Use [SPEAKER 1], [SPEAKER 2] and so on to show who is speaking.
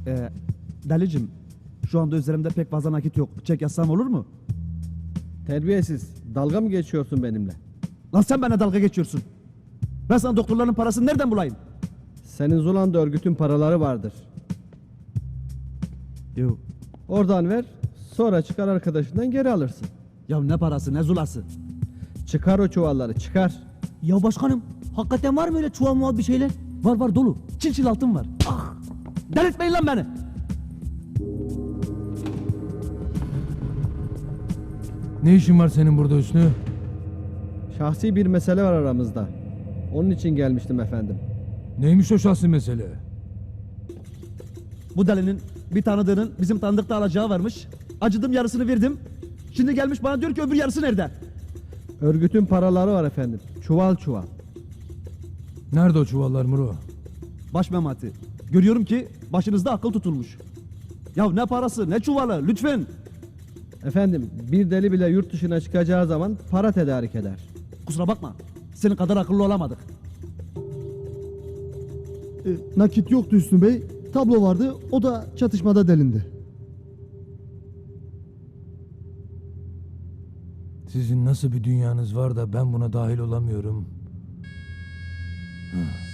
[SPEAKER 1] Delicim, şu anda üzerimde pek fazla nakit yok. Çek yazsam olur mu?
[SPEAKER 2] Terbiyesiz. Dalga mı geçiyorsun benimle?
[SPEAKER 1] Lan sen bana dalga geçiyorsun. Ben sana doktorların parasını nereden bulayım?
[SPEAKER 2] Senin Zulanda örgütün paraları vardır.
[SPEAKER 1] Yok.
[SPEAKER 2] Oradan ver, sonra çıkar arkadaşından geri alırsın.
[SPEAKER 1] Ya ne parası ne zulası?
[SPEAKER 2] Çıkar o çuvalları, çıkar.
[SPEAKER 1] Ya başkanım, hakikaten var mı öyle çuval muval bir şeyler? Var dolu. Çil çil altın var. Ah! Delirtmeyin lan beni.
[SPEAKER 3] Ne işin var senin burada Hüsnü?
[SPEAKER 2] Şahsi bir mesele var aramızda. Onun için gelmiştim efendim.
[SPEAKER 3] Neymiş o şahsi mesele?
[SPEAKER 1] Bu delinin bir tanıdığının bizim tanıdıkta alacağı varmış. Acıdım, yarısını verdim. Şimdi gelmiş bana diyor ki öbür yarısı nerede?
[SPEAKER 2] Örgütün paraları var efendim. Çuval çuval.
[SPEAKER 3] Nerede o çuvallar Muro?
[SPEAKER 1] Baş memati. Görüyorum ki başınızda akıl tutulmuş. Ya ne parası ne çuvalı lütfen.
[SPEAKER 2] Efendim, bir deli bile yurt dışına çıkacağı zaman para tedarik eder.
[SPEAKER 1] Kusura bakma. Senin kadar akıllı olamadık.
[SPEAKER 4] Nakit yoktu Hüsnü Bey. Tablo vardı. O da çatışmada delindi.
[SPEAKER 3] Sizin nasıl bir dünyanız var da ben buna dahil olamıyorum?